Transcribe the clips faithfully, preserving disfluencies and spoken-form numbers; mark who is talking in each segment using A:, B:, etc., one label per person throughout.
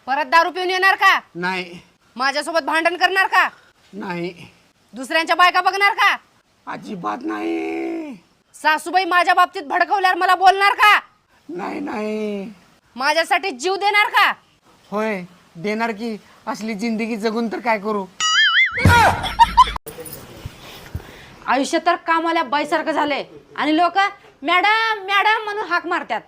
A: परत दारू पिऊन येणार का?
B: नाही.
A: माझ्यासोबत भांडण करणार का?
B: नाही.
A: दुसऱ्यांच्या बायका बघणार का?
B: अजिबात नाही.
A: सासूबाई माझ्या बाबतीत भडकवल्यावर मला बोलणार का?
B: नाही नाही.
A: माझ्यासाठी जीव देणार का?
B: होय देणार की. असली जिंदगी जगून तर काय करू.
A: आयुष्य तर कामाला बाईसारखं झालंय आणि लोक मॅडम मॅडम म्हणून हाक मारतात.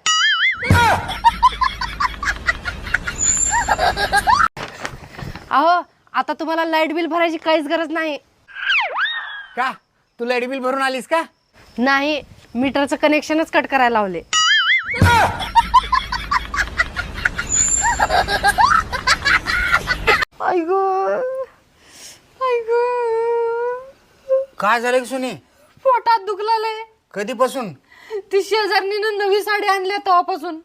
A: अहो आता तुम्हाला लाईट बिल भरायची काहीच गरज नाही.
B: का तू लाईट बिल भरून आलीस का?
A: नाही, मीटरचं कनेक्शनच कट करायला लावले. ऐगो ऐगो
B: काय झालं सुनी?
A: पोटात दुखलाय.
B: कधीपासून?
A: ती शेजारणीनं नवी साडी आणली तेव्हापासून.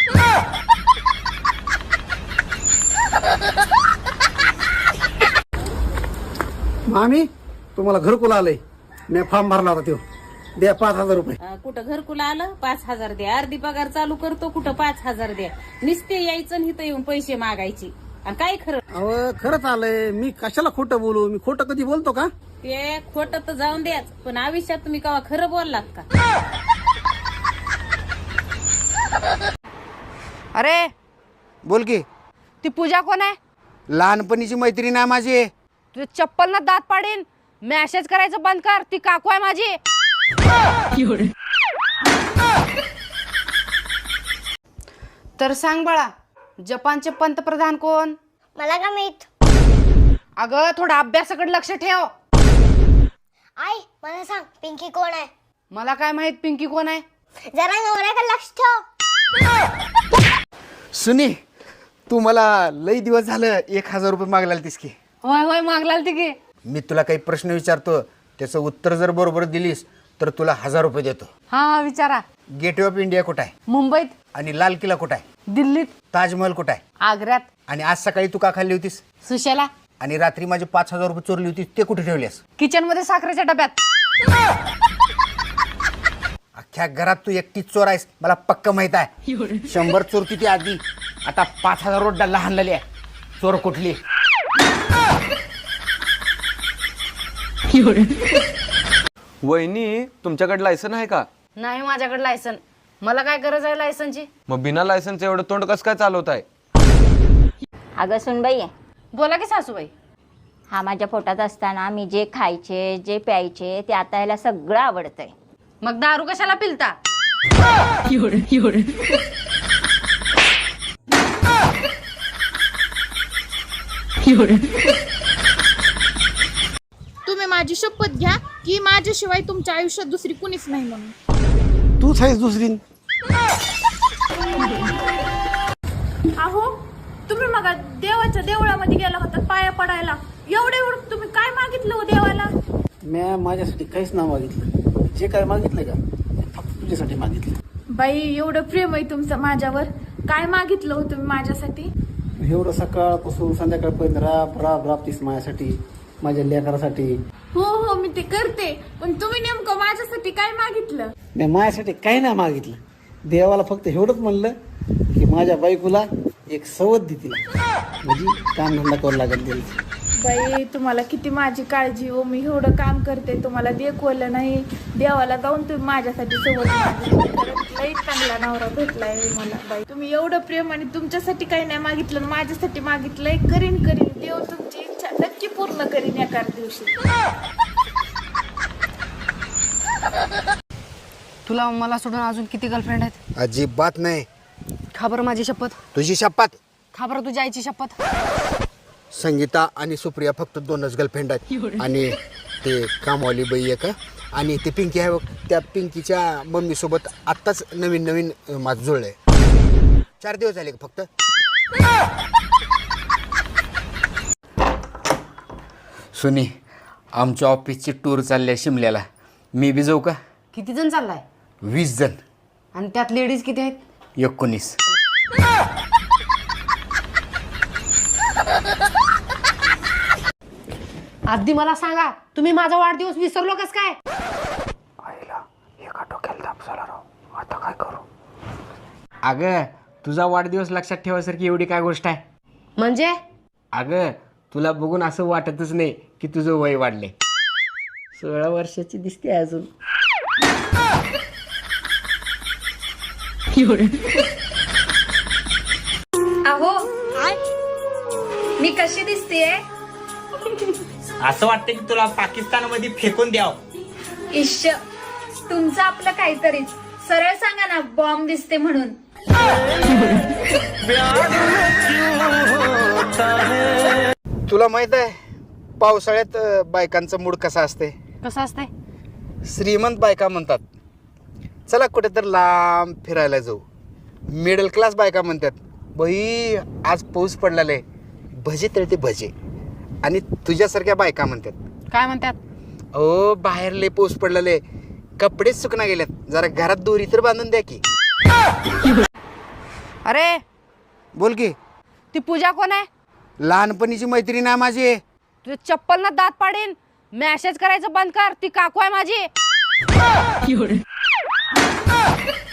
C: मामी तुम्हाला घरकुल आलंय. मी फॉर्म भरला होता तो. द्या पाच हजार रुपये.
D: कुठं घरकुल आलं पाच हजार द्या. अर्धी पगार चालू करतो कुठं पाच हजार द्या. नुसते यायचं आणि इथं येऊन पैसे मागायचे आणि काय खरं.
C: अहो खरंच आलंय. मी कशाला खोटं बोलू. मी खोटं कधी बोलतो का?
D: ते खोटं तर जाऊन द्याच पण आयुष्यात तुम्ही कवा खरं बोललात का?
A: अरे
B: बोल की.
A: ती पूजा कोण आहे?
B: लहानपणीची मैत्रीण आहे माझी.
A: तुझे चप्पल ना दात पाडीन. मॅसेज करायचं बंद कर. ती काकू आहे माझी. तर सांग बाळा, जपानचे पंतप्रधान कोण?
E: मला का माहित?
A: अगं थोडा अभ्यासाकडे लक्ष ठेव.
E: आई मला सांग पिंकी कोण आहे?
A: मला काय माहित पिंकी कोण आहे?
E: जरा नवऱ्याकडे लक्ष ठेव.
B: सुनी तू मला लई दिवस झालं एक हजार रुपये मागला तीस की.
A: होय होय मागलाल ती की.
B: मी तुला काही प्रश्न विचारतो त्याचं उत्तर जर बरोबर दिलीस तर तुला हजार रुपये देतो.
A: हा हा विचारा.
B: गेटवे ऑफ इंडिया कुठं आहे?
A: मुंबईत.
B: आणि लाल किल्ला कुठं आहे?
A: दिल्लीत.
B: ताजमहल कुठं आहे?
A: आग्र्यात.
B: आणि आज सकाळी तू का खाल्ली होतीस?
A: सुशेला.
B: आणि रात्री माझे पाच हजार रुपये चोरली होती ते कुठे ठेवलेस?
A: किचन मध्ये साखरेच्या डब्यात.
B: अख्ख्या घरात तू एकटीच चोर आहेस मला पक्क माहित आहे. शंभर चोरती ती आधी. आता पाच हजार रोड लहान आहे. चोर कुठली?
F: वहिनी तुमच्याकडे लायसन आहे का?
A: नाही माझ्याकडे लायसन. मला काय गरज आहे लायसनची?
F: मग बिना लायसनचं एवढं तोंड कसं काय चालवत आहे?
G: अगं सुनबाई,
A: बोला की सासूबाई.
G: हा माझ्या पोटात असताना मी जे खायचे जे प्यायचे ते आता याला सगळं आवडतंय.
A: मग दारू कशाला पिलता?
H: तुम्ही माझी शपथ घ्या की माझ्याशिवाय तुमच्या आयुष्यात दुसरी कुणीच नाही म्हणून.
C: तूच आहेस दुसरी.
H: अहो तुम्ही मग देवाच्या देवळामध्ये गेला होता पाया पडायला. एवढे एवढं तुम्ही काय मागितलं हो देवाला?
C: मी माझ्यासाठी काहीच नाव मागितलं. जे काय मागितलं का ते फक्त तुझ्यासाठी मागितलं.
H: बाई एवढं प्रेम आहे तुमचं माझ्यावर. काय मागितलं हो तुम्ही माझ्यासाठी?
C: एवढं सकाळपासून संध्याकाळपर्यंत राब राब राबतीस माझ्यासाठी, माझ्या लेकरासाठी.
H: हो हो मी ते करते पण तुम्ही नेमकं माझ्यासाठी काय मागितलं?
C: मी माझ्यासाठी काही नाही मागितलं. देवाला फक्त एवढंच म्हणलं की माझ्या बायकोला एक सवत दे तिला, म्हणजे काम धंदा करू लागेल तिला.
H: बाई तुम्हाला किती माझी काळजी हो. मी एवढं काम करते तुम्हाला देखवलं नाही. देवाला जाऊन तुम्ही माझ्यासाठी सोबत लई चांगला नवरा भेटलाय मला. बाई तुम्ही एवढं प्रेम आणि तुमच्यासाठी काही नाही मागितलं माझ्यासाठी मागितलंय. करीन करीन देव तुमची इच्छा नक्की पूर्ण करीन एका दिवशी.
A: तुला मला सोडून अजून किती गर्लफ्रेंड आहेत?
B: अजिबात नाही.
A: खबर माझी शपथ.
B: तुझी शपथ.
A: खबर तुझ्या आईची शपथ.
B: संगीता आणि सुप्रिया फक्त दोनच गर्लफ्रेंड आहेत. आणि ते कामवाली बाई आहे का आणि ते पिंकी आहे बघ, त्या पिंकीच्या मम्मी सोबत आत्ताच नवीन नवीन माझं जुळलंय. चार दिवस झाले का फक्त. सुनी आमच्या ऑफिसची टूर चालली आहे शिमल्याला. मी बी जाऊ का?
A: किती जण चाललाय?
B: वीस जण.
A: आणि त्यात लेडीज किती आहेत?
B: एकोणीस.
A: आधी मला सांगा तुम्ही माझा वाढदिवस विसरलो कस काय?
B: आईला एका डोक्याला ताप झाला राव. आता काय करू? अगं तुझा वाढदिवस लक्षात ठेवायसारखी एवढी काय गोष्ट आहे?
A: म्हणजे
B: अगं तुला बघून असं वाटतच नाही की तुझं वय वाढले. सोळा वर्षाची दिसते अजून.
I: अहो मी कशी दिसतेय?
J: असं वाटतं की तुला पाकिस्तानमध्ये फेकून द्याव.
I: इश्श तुमचं आपलं काहीतरीच. सरळ सांगा ना बॉम्ब दिसते म्हणून.
B: तुला माहित आहे पावसाळ्यात अ, बायकांचा मूड कसा असते?
A: कसं असतंय?
B: श्रीमंत बायका म्हणतात चला कुठेतरी लांब फिरायला जाऊ. मिडल क्लास बायका म्हणतात बाई आज पाऊस पडलेला आहे, भजे तळते भजे. आणि तुझ्यासारख्या बायका म्हणतात
A: काय म्हणतात?
B: अहो बाहेर लय पाऊस पडलेला आहे, कपडेच सुकना गेल्यात, जरा घरात दोरी तर बांधून द्या की.
A: अरे
B: बोल की.
A: ती पूजा कोण आहे?
B: लहानपणीची मैत्रीण आहे माझी.
A: तुझे चप्पल ना दात पाडीन. मेसेज करायचं बंद कर, ती काकू आहे माझी.